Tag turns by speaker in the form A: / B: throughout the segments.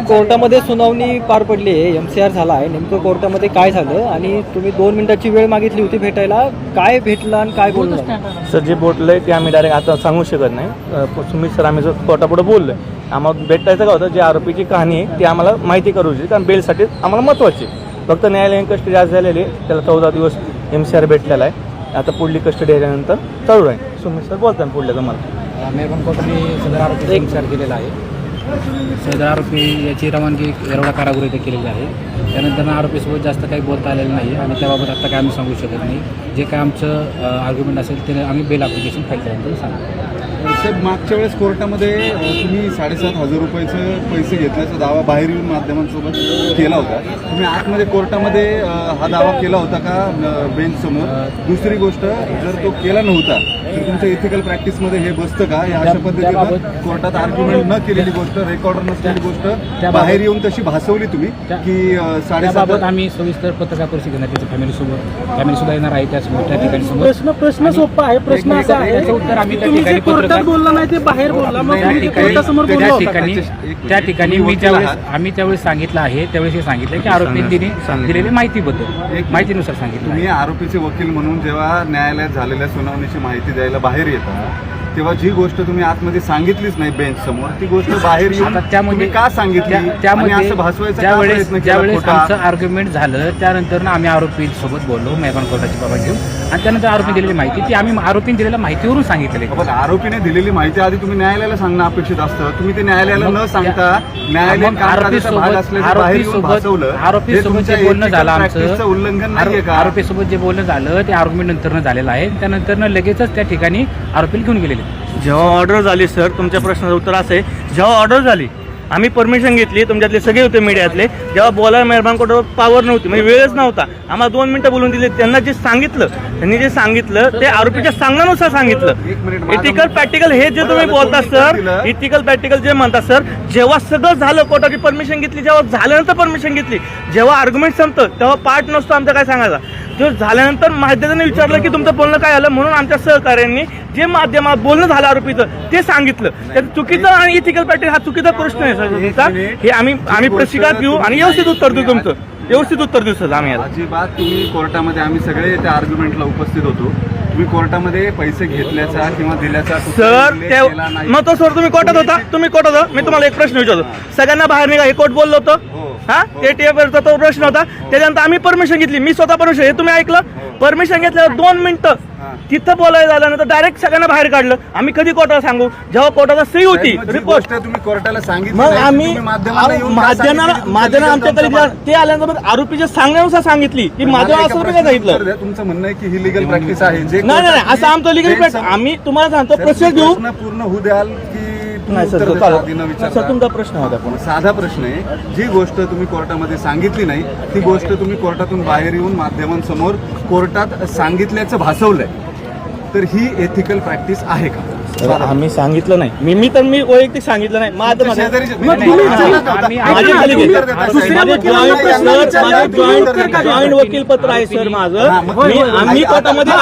A: कोर्टामध्ये सुनावणी पार पडली आहे, MCR झाला आहे. नेमकं कोर्टामध्ये काय झालं आणि तुम्ही 2 मिनिटाची वेळ मागितली होती भेटायला, काय भेटलं आणि काय बोललं?
B: सर जे बोललं ते आम्ही डायरेक्ट आता सांगू शकत नाही. सुमित सर आम्ही जो कोर्टापुढे बोललो आम्हाला भेटायचं का होतं, जे आरोपीची कहाणी आहे ती आम्हाला माहिती करू शकते, कारण बेलसाठी आम्हाला महत्त्वाची. फक्त न्यायालयीन कस्टडी आज झालेली, त्याला 14 दिवस MCR भेटलेला आहे. आता पुढली कस्टडी आल्यानंतर चालू आहे. सुमित सर बोलताय पुढल्या तुम्हाला.
C: मेहरबान कोर्टाने सदर आरोपी MCR केलेला आहे. सदर आरोपी याची रवानगी येरवडा कारागृह इथे केलेली आहे. त्यानंतर आरोपीसोबत जास्त काही बोलता आलेलं नाही आणि त्याबाबत आता काय आम्ही सांगू शकत नाही. जे काय आमचं आर्ग्युमेंट असेल ते आम्ही बेल ॲप्लिकेशन फाईल केल्यानंतर सांगू.
D: साहेब, मागच्या वेळेस कोर्टामध्ये तुम्ही 7,500 रुपयाचे पैसे घेतल्याचा दावा बाहेर येऊन माध्यमांसोबत केला होता. तुम्ही आतमध्ये कोर्टामध्ये हा दावा केला होता का बेंचसमोर? दुसरी गोष्ट, जर तो केला नव्हता तर तुमच्या इथिकल प्रॅक्टिसमध्ये हे बसतं का? या अशा पद्धतीनं कोर्टात आर्ग्युमेंट न केलेली गोष्ट, रेकॉर्डर नसलेली गोष्ट बाहेर येऊन तशी भासवली तुम्ही की 7,500.
C: आम्ही सविस्तर पत्रकार परिषद घेणार, त्याच्या फॅमिली सुद्धा येणार आहे. त्यासमोर त्या ठिकाणी समोर
E: प्रश्न सोपा आहे. प्रश्न असा आहे,
C: त्याचं उत्तर आम्ही त्या ठिकाणी
E: कोर्टात बोलला नाही ते बाहेर बोलला, मग
C: त्या ठिकाणी आम्ही त्यावेळेस सांगितलं आहे, त्यावेळेस हे सांगितलं की आरोपींनी दिलेल्या माहितीनुसार सांगितलं.
D: तुम्ही आरोपीचे वकील म्हणून जेव्हा न्यायालयात झालेल्या सुनावणीची माहिती द्यायला बाहेर येतात तेव्हा जी गोष्ट तुम्ही आतमध्ये सांगितलीच नाही बेंच समोर, ती गोष्ट बाहेर येऊन तुम्ही का सांगितली?
C: ज्यावेळेस आमचं आर्ग्युमेंट झालं त्यानंतर आम्ही आरोपीसोबत बोललो मेहरबान कोर्टाची बाबा घेऊन, आणि त्यानंतर आरोपी दिलेली माहिती ती आम्ही आरोपीने दिलेल्या माहितीवरून सांगितलेली.
D: पण आरोपीने दिलेली माहिती आधी तुम्ही न्यायालयाला सांगणं अपेक्षित असतं. तुम्ही ते न्यायालयाला न सांगता न्यायालयीन कामकाजाचा भाग असल्याचं बाहेर येऊन भासवलं.
C: आरोपीसोबत जे बोलणं झालं आमचं
D: उल्लंघन नाहीये का?
C: आरोपीसोबत जे बोलणं झालं ते आर्ग्युमेंट नंतर झालेलं आहे. त्यानंतर लगेचच त्या ठिकाणी आरोपीला घेऊन गेलेले.
B: जेव्हा ऑर्डर झाली सर, तुमच्या प्रश्नाचं उत्तर असं आहे, जेव्हा ऑर्डर झाली आम्ही परमिशन घेतली, तुमच्यातले सगळे होते मीडियातले, जेव्हा बोलायला मेहरबान कोर्टावर पावर नव्हती, म्हणजे वेळच नव्हता, आम्हाला 2 मिनिटं बोलून दिले. त्यांनी जे सांगितलं ते आरोपीच्या सांगण्यानुसार सांगितलं. इथिकल प्रॅक्टिकल हे जे तुम्ही बोलता सर, इथिकल प्रॅक्टिकल जे म्हणता सर, जेव्हा सगळं झालं कोर्टाची परमिशन घेतली, जेव्हा झाल्यानंतर परमिशन घेतली, जेव्हा आर्ग्युमेंट संपतं तेव्हा पार्ट नसतो आमचा काय सांगायचा. जेव्हा झाल्यानंतर माध्यमाने विचारलं की तुमचं बोलणं काय आलं, म्हणून आमच्या सहकार्यांनी जे माध्यमात बोलणं झालं आरोपीचं ते सांगितलं. त्याचं चुकीचं आणि इथिकल प्रॅक्टिस हा चुकीचा प्रश्न आहे सर तुमचा. हे आम्ही प्रतिकार घेऊ आणि व्यवस्थित उत्तर देऊ, तुमचं व्यवस्थित उत्तर देऊ सर आम्ही.
D: अजिबात तुम्ही कोर्टामध्ये, आम्ही सगळे त्या आर्ग्युमेंटला उपस्थित होतो, तुम्ही कोर्टामध्ये पैसे घेतल्याचा किंवा दिल्याचा
B: सर मग तो सर तुम्ही कोर्टात होता, मी तुम्हाला एक प्रश्न विचारतो, सगळ्यांना बाहेर निघा हे कोर्ट बोललो होतं हा, ते टीएफचा तो प्रश्न होता. त्याच्यानंतर आम्ही परमिशन घेतली, मी स्वतः परमिशन, हे तुम्ही ऐकलं, परमिशन घेतल्यावर 2 मिनिटं तिथं बोलायला झाल्यानंतर डायरेक्ट सगळ्यांना बाहेर काढलं. आम्ही कधी कोर्टाला सांगू, जेव्हा कोर्टाला सही होती रिपोर्ट
D: तुम्ही कोर्टाला सांगितलं,
B: मग आम्ही माध्यमाला आमच्याकडे ते आल्यानंतर आरोपीच्या सांगण्यानुसार सांगितली की माध्यम असं सांगितलं.
D: तुमचं म्हणणं आहे की ही लिगल प्रॅक्टिस आहे?
B: नाही असं आमचं लिगल प्रॅक्टिस, आम्ही तुम्हाला सांगतो प्रोसेस घेऊ.
D: पूर्ण होऊ द्याल की
B: तुमचा प्रश्न होता पण
D: साधा प्रश्न आहे. जी गोष्ट तुम्ही कोर्टामध्ये सांगितली नाही ती गोष्ट तुम्ही कोर्टातून बाहेर येऊन माध्यमांसमोर कोर्टात सांगितल्याचं भासवलंय, तर ही एथिकल प्रॅक्टिस आहे का?
B: आम्ही सांगितलं नाही, मी वैयक्तिक सांगितलं नाही. जॉईंट वकील पत्र आहे सर माझं. आम्ही कोर्टामध्ये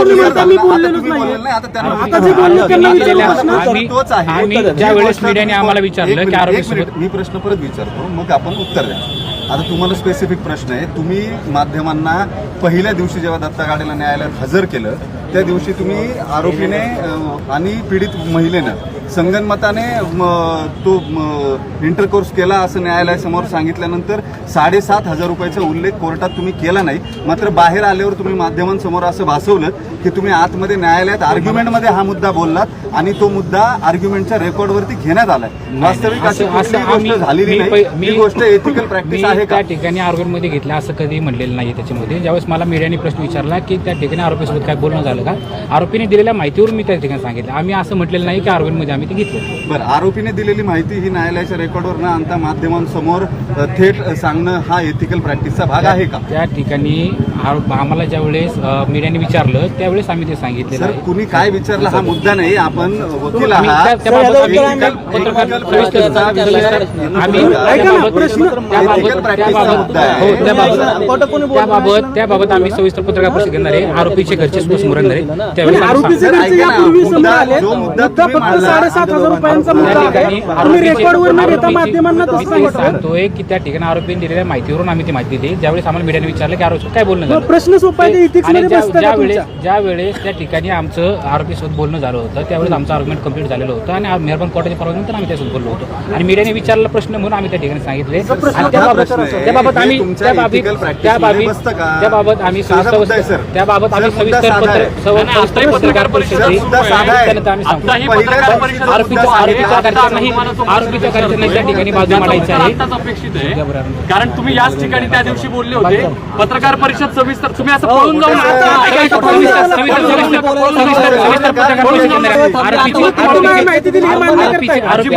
C: ज्या वेळेस मीडियाने आम्हाला विचारलं की आरोपी,
D: मी प्रश्न परत विचारतो मग आपण उत्तर द्या. आता तुम्हाला स्पेसिफिक प्रश्न आहे. तुम्ही माध्यमांना पहिल्या दिवशी जेव्हा दत्ता गाडेला न्यायालयात हजर केलं त्या दिवशी तुम्ही आरोपीने आणि पीडित महिलेनं संगनमताने तो इंटरकोर्स केला असं न्यायालयासमोर सांगितल्यानंतर 7,500 रुपयाचा उल्लेख कोर्टात तुम्ही केला नाही. मात्र बाहेर आल्यावर तुम्ही माध्यमांसमोर असं भासवलं की तुम्ही आतमध्ये न्यायालयात आर्ग्युमेंटमध्ये हा मुद्दा बोललात आणि तो मुद्दा आर्ग्युमेंटच्या रेकॉर्डवरती घेण्यात आलाय. वास्तविक अशी गोष्ट झालेली नाही. ही गोष्ट एथिकल प्रॅक्टिस आहे का?
C: त्या ठिकाणी आर्ग्युमेंटमध्ये घेतलं असं कधी म्हणलेलं नाही. त्याच्यामध्ये ज्यावेळेस मला मीडियाने प्रश्न विचारला की त्या ठिकाणी आरोपीसोबत काय बोलणं झालं का, आरोपीने दिलेल्या माहितीवरून मी त्या ठिकाणी सांगितलं. आम्ही असं म्हटलेलं नाही की आर्ग्युमेंटमध्ये आम्ही ते घेतलं.
D: बरं, आरोपीने दिलेली माहिती ही न्यायालयाच्या रेकॉर्डवर न आणता माध्यमांसमोर थेट सांगणं हा एथिकल प्रॅक्टिसचा भाग आहे का?
C: त्या ठिकाणी आम्हाला ज्यावेळेस मीडियाने विचारलं त्यावेळेस आम्ही ते सांगितलं.
D: सर, कुणी काय विचारलं हा मुद्दा नाही. आपण वकील आहात.
C: त्याबाबत आम्ही सविस्तर पत्रकार परिषद घेणार आहे. आरोपीचे घरचे समोर येणार आहे त्यावेळेस
E: 7,000 रुपयांचा मुद्दा आहे.
C: ठिकाणी
E: तुम्ही रेकॉर्डवर न देता माध्यमांना
C: मी
E: तसं
C: तेच
E: सांगता.
C: सांगतोय की त्या ठिकाणी आरोपीने दिलेल्या माहितीवरून आम्ही ती माहिती दिली. ज्यावेळेस आम्हाला मीडियाने विचारलं की आरोपी काय बोलणं झालं,
E: प्रश्न सोपा आहे, ethics
C: आणि
E: मध्ये बसतं का तुमच्या?
C: ज्या वेळेस त्या ठिकाणी आमचं आरोपीसोबत बोलणं झालं होतं त्यावेळेस आमचं आर्ग्युमेंट कंप्लीट झालेलं होतं आणि मेहरबान कोर्टाच्या परवानगीनंतर आम्ही त्यासोबत बोललो होतो आणि मीडियाने विचारलेला प्रश्न म्हणून आम्ही त्या ठिकाणी सांगितले आणि त्याबाबत आम्ही पत्रकार परिषदेत त्यानंतर आम्ही सांगतो आरोपीच्या घरच्यांना त्या ठिकाणी बाजू मांडायची आहे.
F: कारण तुम्ही याच ठिकाणी त्या दिवशी बोलले होते पत्रकार परिषद सविस्तर तुम्ही असं पळून जाऊन
E: माहिती दिली हे मान्य करताय.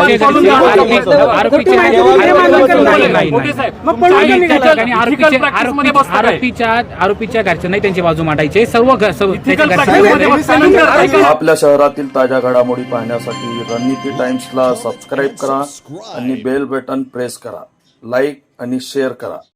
C: आरोपीच्या घरच्यांना त्यांची बाजू मांडायची आहे. सर्व
G: आपल्या शहरातील ताज्या घडामोडी पाहण्यासाठी रणनीती टाइम्सला सबस्क्राईब करा आणि बेल बटन प्रेस करा. लाईक आणि शेअर करा.